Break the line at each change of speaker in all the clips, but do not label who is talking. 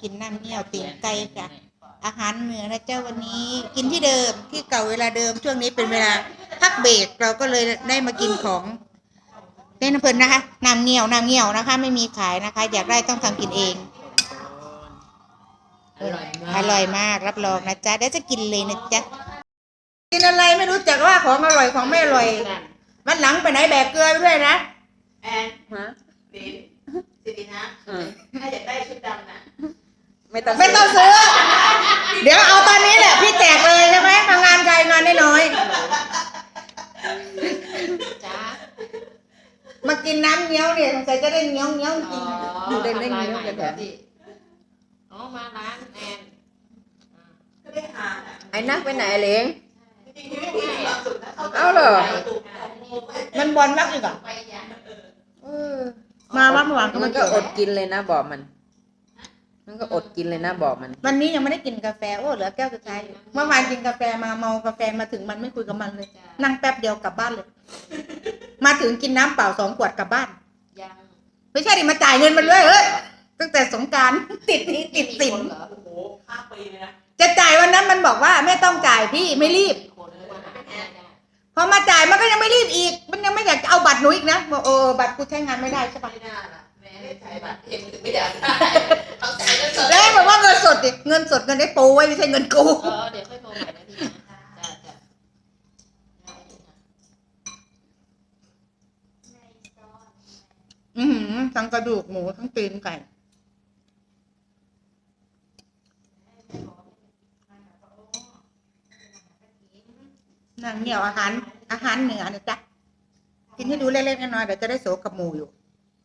กินน้ำเงี้ยวตีนไก่จ้ะอาหารเหนือนะเจ้าวันนี้กินที่เดิมที่เก่าเวลาเดิมช่วงนี้เป็นเวลาพักเบรกเราก็เลยได้มากินของเล่นเพลินนะคะน้ำเงี้ยวนะคะ ไม่มีขายนะคะ อยากได้ต้องทำกินเองอร่อยมากรับรองนะจ๊ะเดี๋ยวจะกินเลยนะจ๊ะกินอะไรไม่รู้จักว่าของอร่อยของไม่อร่อยวันหลังไปไหนแบกเกลือไปด้วยนะ
แอนสิรินะถ้าอยากได้ชุดดำนะ
ไม่ต้องซื้อเดี๋ยวเอาตอนนี้แหละพี่แจกเลยใช่ไหมทำงานใครงานน้อย
จ้า
มากินน้ำเงี้ยวเนี่ยสงสัยจะได้เงี้ยวกินอยู่ได้เงี้ยวกันแบบ
อ๋อมาร้านแอนก็ได้หา
ไอ้นักไปไหนเล้ง
เอาเหรอ
มันบอลมากอีกอ่ะมาบ้านเมื่อวาน
มันก็อดกินเลยนะบอกมันก็อดกินเลยนะบอกมัน
วันนี้ยังไม่ได้กินกาแฟโอ้เหลือแก้วสุดท้ายเมื่อวานกินกาแฟมาเมากาแฟมาถึงมันไม่คุยกับมันเลยนั่งแป๊บเดียวกลับบ้านเลยมาถึงกินน้ำเปล่า2 ขวดกลับบ้านไม่ใช่ดิมาจ่ายเงินมันด้วยเฮ้ยตั้งแต่สงกรานต์ติดสิน
โอ้โหข้ามปีเลยนะ
จะจ่ายวันนั้นมันบอกว่าไม่ต้องจ่ายพี่ไม่รีบพอมาจ่ายมันก็ยังไม่รีบอีกมันยังไม่อยากจะเอาบัตรหนูอีกนะบอกบัตรกูใช้งานไม่ได้ใช่ปะ
ไม่น่าล่ะแม่ได้ใช้บัตรเองไม่อยากได้เอาจ่ายเงินสด
แล้วบอกว่าเงินสดดิเงินสดเงินได้ปูไว้ไม่ใช่เงินกู
เดี๋ยวค่อยโทรใหม่นะพี่
นะทั้งกระดูกหมูทั้งตีนไก่นางเหนียวอาหารเหนือนะจ๊ะกินให้ดูเล็กๆน้อยๆเดี๋ยวจะได้โสกับหมูอยู่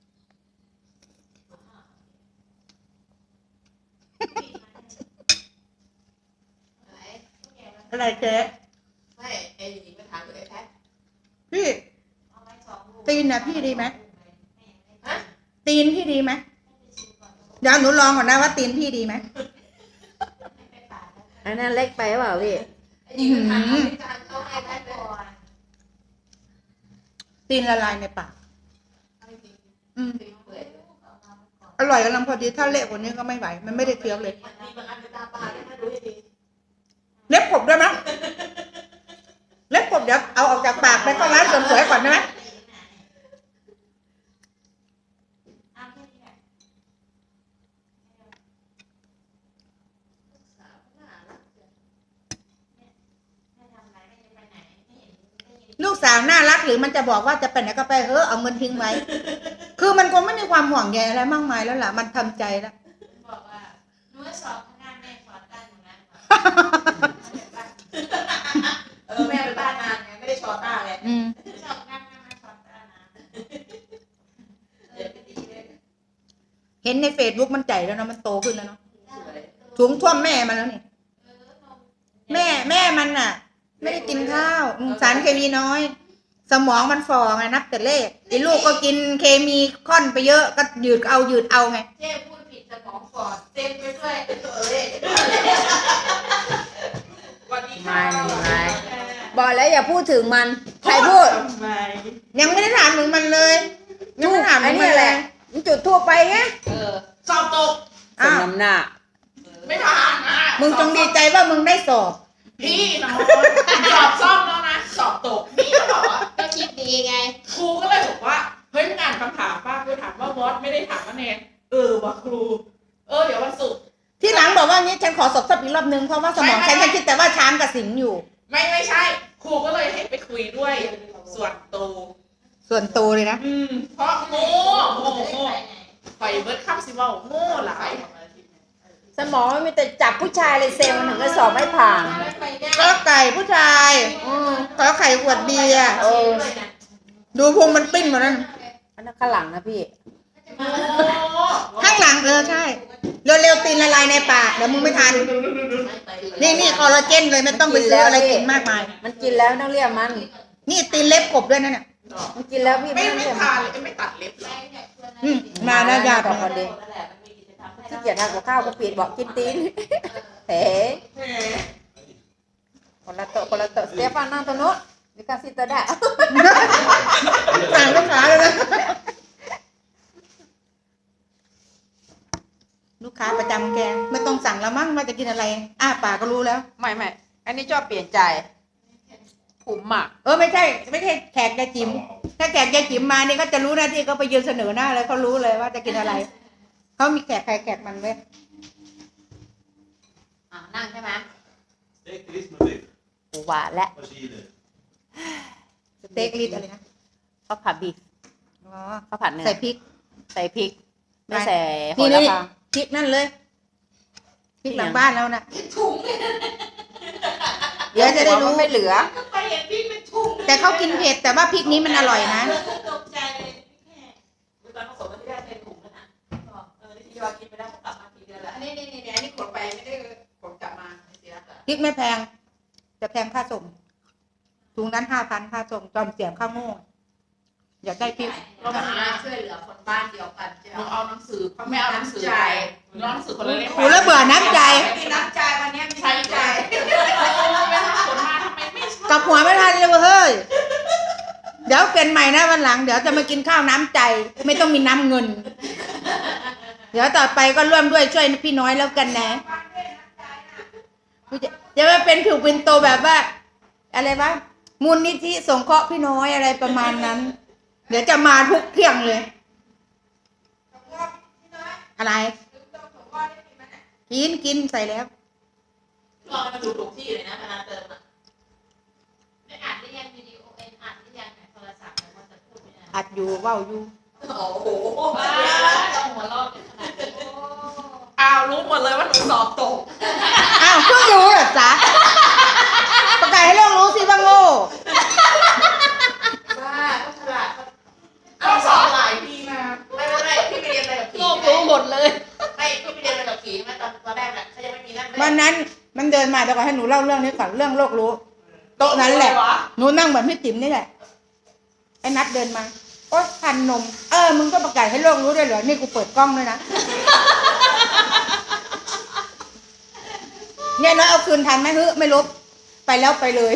อะไรเจ๊
ไม่ไอ้หญิงมาถามเลยแท้
พี่ตีนนะพี่ดีไหมตีนพี่ดีไหมเดี๋ยวหนูลองก่อนนะว่าตีนพี่ดีไหม
อันนั้นเล็กไปเปล่าพี่
ตีนละลายในปากอร่อยกำลังพอดีถ้าเละกว่านี้ก็ไม่ไหวมันไม่ได้เคี้ยวเลยเล็บขบได้ไหมเล็บขบเดี๋ยวเอาออกจากปากไปเข้าร้านเสริมสวยก่อนได้ไหมลูกสาวน่ารักหรือมันจะบอกว่าจะไปไหนก็ไปเอาเงินทิ้งไว้คือมันคงไม่มีความห่วงใยอะไรมากมายแล้วล่ะมันทำใจแล้ว
บอกว่าหนูสอบงานแม่สอนตั้งนะแม่ไปบ้านนานไงไม่ได้ชอต้าไงสอบงานแม่ชอต้านะ
เห็นในเฟซบุ๊กมันใจแล้วเนาะมันโตขึ้นแล้วเนาะถุงท่วมแม่มันแล้วนี่แม่มันน่ะไม่ได้กินข้าวสารเคมีน้อยสมองมันฝ่อไงนับแต่เลขไอ้ลูกก็กินเคมีค่อนไปเยอะก็ยืดเอาไง
เจ๊พูดผิดสมองฝ่อเต็มไปด้วยตัวเลขวันนี้
ไม่บอกแล้วอย่าพูดถึงมันใครพูด
ยังไม่ได้ถามถึงมันเลยยังไม่ถามถึงมันเลย
มันจุดทั่วไปไง
สอบตก
สมน้ำหน้า
ไม่ผ่าน
มึงจงดีใจว่ามึงได้สอบ
พี่น้องสอบซ่อมแล้วนะสอบตกนี่เขาบอกว่าก็คิดดีไงครูก็เลยบอกว่าเฮ้ยอ่านคำถามป้าครูถามว่าวอตไม่ได้ถามว่าแนนว่ะครูเดี๋ยววันศุกร์
ที่หลังบอกว่างี้ฉันขอสอบอีกรอบนึงเพราะว่าสมองฉันยังคิดแต่ว่าช้างกับสิงอยู่
ไม่ใช่ครูก็เลยให้ไปคุยด้วยส่วน
ตัวเลยนะ
เพราะโง่ไฟเบิร์ดข้ามสิว่าโง่หลาย
สมองมันมีแต่จับผู้ชายเลยเซลล์มันถึงจะสอบไม่ผ่าน
ก็ไก่ผู้ชายก็ไข่ขวดเบียร์ดูพุงมันปิ้นหมดนั่น
อันนั้นข้างหลังนะพี่
ข้างหลังใช่เร็วๆตีนละลายในปากเดี๋ยวมึงไม่ทันนี่คอลลาเจนเลยไม่ต้องไปซื้ออะไรกินมากมาย
มันกินแล้วต้องเรียกมัน
นี่ตีนเล็บกบด้วยนั่นน่ะ
มันกินแล้วพี่
ไม่ทานเลยไม่ตัดเล็บ
มาหน้ายา
ต่อคนเดียวที่เกียรทำกับข้าวก็ปิดบอกกินตีนคนละโต๊ะสเตฟานนั่งตัวโน้นมีการซิตได้
สั่งลูกค้าเลยนะลูกค้าประจำแกไม่ต้องสั่งแล้วมั้งว่าจะกินอะไรอ้าปากก็รู้แล้ว
ไม่อันนี้ชอบเปลี่ยนใจผมอ่ะ
ไม่ใช่แขกยายจิ๋มถ้าแขกยายจิ๋มมานี่ก็จะรู้หน้าที่เขาไปยืนเสนอหน้าเลยเขารู้เลยว่าจะกินอะไรเขามีแขกใครแขกมันเว้ย
นั่งใช่ไหม
Steek er iets maar weg.
ปูหวานและ
Wat zie je er?
สเต็กลิดอะไรนะ
ข้าวผัดบีฟ
อ๋อ
ข้าวผัดเนื้อ
ใส่พริก
ใส่พริก ไม่ใส่โห
นี่
ระ
นี่
พา
พริกนั่นเลยพริกหลังบ้านแล้วนะ
ถุง
เดี๋ยวจะได้รู้
ไม่เหลือ
ไปเห็นพี่เป็นถุง
แต่เขากินเผ็ดแต่ว่าพริกนี้มันอร่อยนะ
ตกใจเลยพี่แขกตอนผสมกันที่แรกเป็นถุงแล้วนะที่ว่ากินไปแล้วก็กลับมาทีเดียวแล้วอันนี้ขนไปไม่ได้ขนกลับมาเสียค่ะ
พริกไม่แพงจะแพงค่าส่งถุงนั้น5,000ค่าส่งจอมเสียบข้าวโง่อยากได้พริก
เรามาช่วยเหลือคนบ้านเดียวกันหนูเอาหนังสือเขาไม่เอาหนังสือไปหนูเอาหนังสือคนละเล่ม
โอ้แล้วเบื่อน้ำใจ
มีน้ำใจวันนี้มีน้ำใจไม่ทำผลมาทำไมไม่ชอบ
กลับหัวไม่ทันเลยเว้ยเฮ้ยเดี๋ยวเป็นใหม่นะวันหลังเดี๋ยวจะมากินข้าวน้ำใจ ไม่ต้องมีน้ำเงิน เดี๋ยวต่อไปก็ร่วมด้วยช่วยพี่น้อยแล้วกันนะจะมาเป็นผิวเป็นโตแบบว่า อะไรวะมูลนิธิสงเคราะห์พี่น้อยอะไรประมาณนั้น เดี๋ยวจะมาทุกเที่ยงเลย อะไร กินใส่แล้ว
ลองมาดูถูกที่เลยนะเวลาเติมอ่ะไม่อ่านได้ยังวิดีโอเอ็นอ่านได้ยังโทรศัพท์แต่ว่าจะพูดไม่ได้
อัดอยู่เว้าอยู่
โอ้โหต้องหัวเราะกันขนาดนี้อ้าวรู้หมดเลยว่าหนูสอบตก
อ้าวเพิ่งรู้เหรอจ๊ะประกาศให้โลกรู้สิว่าโง่
บ้าก็ฉลาดก็สอบหลายปีมาไม่พี่ไปเรียนอะไรกับผี
โลกรู้หมดเลย
ไม่พี่ไปเรียนอะไรกับผีมาตอนแรกน่ะเขายังไม่มีนั่น
วันนั้นมันเดินมาเดี๋ยวก่อนให้หนูเล่าเรื่องนี้ก่อนเรื่องโลกรู้โต๊ะนั้นแหละหนูนั่งเหมือนพี่ติ๋มนี่แหละไอ้นัดเดินมาโอ๊ยทันนมมึงก็ประกาศให้โลกรู้ด้วยเหรอนี่กูเปิดกล้องด้วยนะเนี่ยน้อยเอาคืนทันไหมฮึไม่ลบไปแล้วไปเลย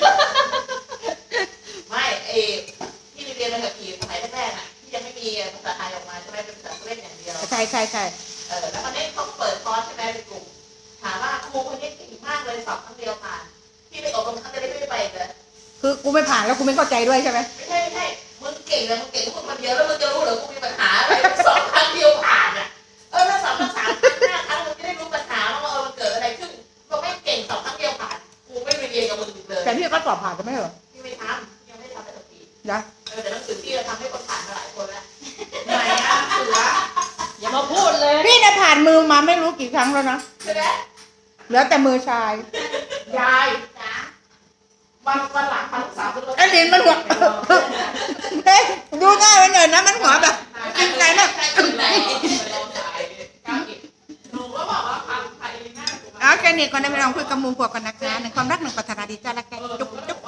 ไม่พี่ไปเรียนอะไรกับผีสมัยแรกๆอ่ะที่ยังไม่มีภาษาไทยออกมาใช่ไหมเป็นภาษาเล่นอย่างเดียว
ใช่
แล้ววันนี้เขาเปิดคอร์สใช่ไหมเป็นกลุ่มถามว่าครูคนนี้เก่งมากเลยสอบครั้งเดียวผ่านพี่ไปอบรมครั้งเดียวไม่ไปเลย
คือกูไม่ผ่านแล้วกูไม่เข้าใจด้วยใช่ไหม
ไม่ใช่มึงเก่งเลยมึงเก่งพวกมันเดียวแล้วมึงจะรู้เหรอกูมีปัญหาอะไรสอบครั้งเดียวผ่านอ่ะถ้าสอบมา3 ครั้ง5 ครั้งมึงจะได้รู้ปัญหาว่ามันเกิดอะไรขึ้นก็ไม่เก่งสอบครั้งเดียวผ่านกูไม่ไปเรียนกับมึงอีกเลย
แต่พี่ก็สอบผ่านจะไม่เหรอ
พี่ไม่ทำยังไม่ทำอะไรสักที
นะ
แต่หนังสือพี่เราทำให้คนผ่านมาหลายคนแล้วไหนอ่ะเสือ
อย่ามาพูดเลย
พี่เนี่ยผ่านมือมาไม่รู้กี่ครั้งแล้วนะ
ใช่ไหม
เหลือแต่มือชาย
ยายจ๋าวันหลังพาลูกสาวขึ้นรถ
ไอ้ลินมันหัวเฮ้ยดูหน้ามันหน่อยนะมันหัวแบบกินไหนนะ
หนูก็บอกว่าพาไปหน้า
เอาแค่นี้ก่อนนะพี่น้องคุยกับหมูพวกกันนะคะหนึ่งความรักหนึ่งปรารถนาดีจ้าละกันจุ๊บ